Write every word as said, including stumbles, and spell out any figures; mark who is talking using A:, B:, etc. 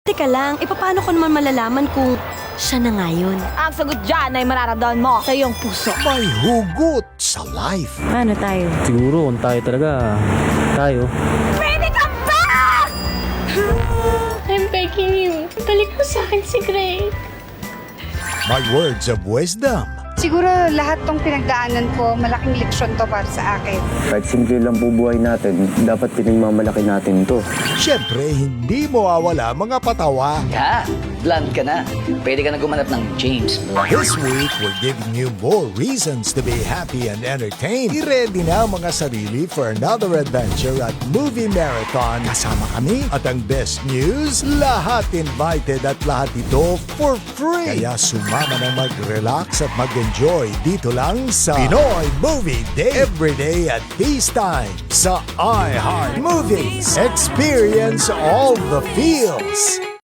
A: Teka lang, e paano ko naman malalaman kung siya na nga yun?
B: Ang sagot dyan ay mararamdaman mo sa iyong puso.
C: May hugot sa life.
B: Paano tayo?
D: Siguro kung tayo talaga, tayo.
B: Pwede ka ba?
E: I'm begging you. Balik mo sa akin si Greg.
C: My words of wisdom.
F: Siguro lahat tong pinagdaanan ko, malaking leksyon to para sa akin.
G: Kahit simple lang po buhay natin, dapat pinagmamalaki natin to.
C: Siyempre, hindi mo awala mga patawa.
H: Ha? Blunt ka na. Pwede ka na gumanap ng James Blunt.
C: This week, we're giving you more reasons to be happy and entertained. I-ready na ang mga sarili for another adventure at Movie Marathon. Kasama kami. At ang best news, lahat invited at lahat ito for free. Kaya sumama na mag-relax at mag-enjoy dito lang sa Pinoy Movie Day. Every day at this time sa iHeart Movies. Experience all the feels.